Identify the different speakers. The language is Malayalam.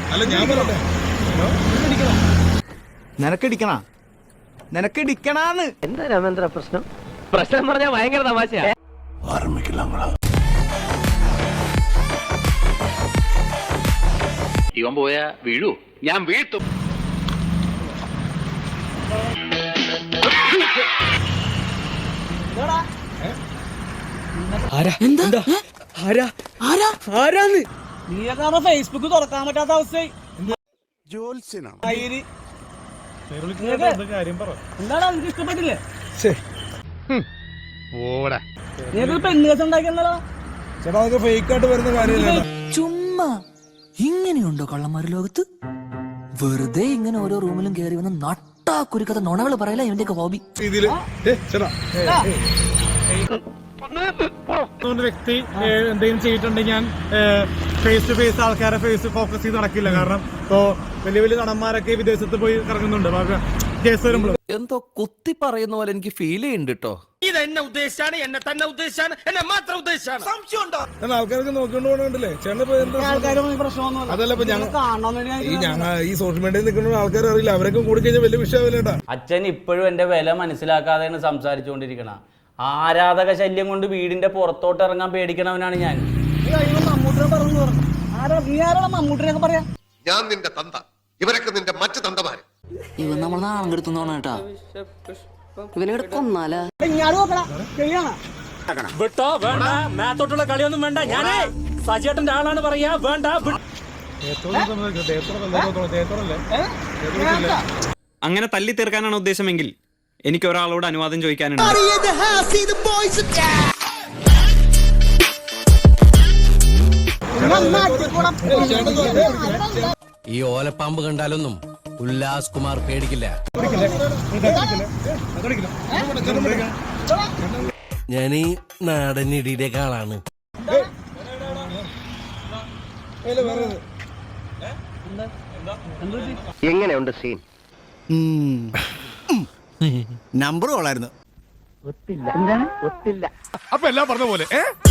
Speaker 1: അല്ല ഞാൻ പറയട്ടെ,
Speaker 2: നിനക്കിടിക്കണാന്ന്
Speaker 3: എന്താ രാമേന്ദ്ര പ്രശ്നം? പ്രശ്നം പറഞ്ഞാൽ ഭയങ്കര തമാശയാ.
Speaker 4: ഇവൻ പോയാ വീഴൂ, ഞാൻ വീഴ്ത്തും.
Speaker 5: ഫേസ്ബുക്ക് തുറക്കാൻ പറ്റാത്ത അവസ്ഥ. എന്താണ് എനിക്ക് ഇഷ്ടപ്പെട്ടില്ലേ? പെണ്ണുകേസ് ഉണ്ടാക്കിയെന്നാലോ
Speaker 1: ചേട്ടാ അതൊക്കെ ഫേക്ക് ആയിട്ട് വരുന്ന കാര്യമല്ല.
Speaker 6: ചുമ്മാ ഇങ്ങനെയുണ്ടോ കള്ളന്മാര് ലോകത്ത്? വെറുതെ ഇങ്ങനെ ഓരോ റൂമിലും കയറി വന്ന് നട്ടാ കുരുക്കഥ നുണകൾ പറയല ഇവന്റെയൊക്കെ ഹോബി.
Speaker 1: രീതിയില് ചേട്ടാ
Speaker 5: വ്യക്തി എന്തെങ്കിലും ചെയ്തിട്ടുണ്ടെങ്കിൽ ഞാൻ ഫേസ് ടു ഫേസ് ആൾക്കാരെ ഫേസ് ഫോക്കസ് ചെയ്ത് നടക്കില്ല. കാരണം ഇപ്പോ വലിയ വലിയ നടന്മാരൊക്കെ വിദേശത്ത് പോയി കറങ്ങുന്നുണ്ട്. കേസ് വരുമ്പോൾ
Speaker 6: എന്തോ കുത്തി പറയുന്ന പോലെ എനിക്ക് ഫീൽ ചെയ്യുന്നുണ്ട് കേട്ടോ.
Speaker 2: ഇത് എന്നെ ഉദ്ദേശിച്ചാണ്, എന്നെ തന്നെ ഉദ്ദേശിച്ചാണ്, എന്നെ മാത്രം ഉദ്ദേശിച്ചാണ്. സംശയമുണ്ടോ?
Speaker 1: ആൾക്കാർക്ക് നോക്കിക്കൊണ്ട് പോകണ്ടല്ലേ ചേട്ടൻ. അതല്ല ഇപ്പൊ ഈ സോഷ്യൽ മീഡിയയിൽ നിൽക്കുന്ന ആൾക്കാർ അറിയില്ല, അവരൊക്കെ കൂടി കഴിഞ്ഞാൽ വലിയ വിഷയമല്ലേട്ടാ.
Speaker 7: അച്ഛൻ ഇപ്പോഴും എന്റെ വില മനസ്സിലാക്കാതെയാണ് സംസാരിച്ചുകൊണ്ടിരിക്കണ. ആരാധക ശല്യം കൊണ്ട് വീടിന്റെ പുറത്തോട്ട് ഇറങ്ങാൻ പേടിക്കണവനാണ് ഞാൻ.
Speaker 8: ഞാൻ നിന്റെ തന്ത, ഇവരൊക്കെ നിന്റെ മറ്റു തന്തമാര്.
Speaker 6: ഇവൻ നമ്മൾ നാണം കെടുത്തുന്നോണ കേട്ടാ. ഇവനെ കൊന്നാലാ
Speaker 5: വിട്ടോ വേണ്ട, മേത്തോട്ടുള്ള കളിയൊന്നും വേണ്ട. ഞാനേ സജേട്ടന്റെ ആളാണ് പറയാ. വേണ്ട
Speaker 9: അങ്ങനെ തല്ലി തീർക്കാനാണ് ഉദ്ദേശമെങ്കിൽ എനിക്ക് ഒരാളോട് അനുവാദം ചോദിക്കാനുണ്ട്.
Speaker 10: ഈ ഓലപ്പാമ്പ് കണ്ടാലൊന്നും ഉല്ലാസ് കുമാർ പേടിക്കില്ല. ഞാൻ ഈ നാടൻ ഇടിയുടെ ആളാണ്.
Speaker 3: എങ്ങനെയുണ്ട് സീൻ?
Speaker 2: നമ്പർ കൊള്ളായിരുന്നു.
Speaker 3: ഒത്തില്ല. എന്താണ് ഒത്തില്ല?
Speaker 1: അപ്പൊ എല്ലാം പറഞ്ഞ പോലെ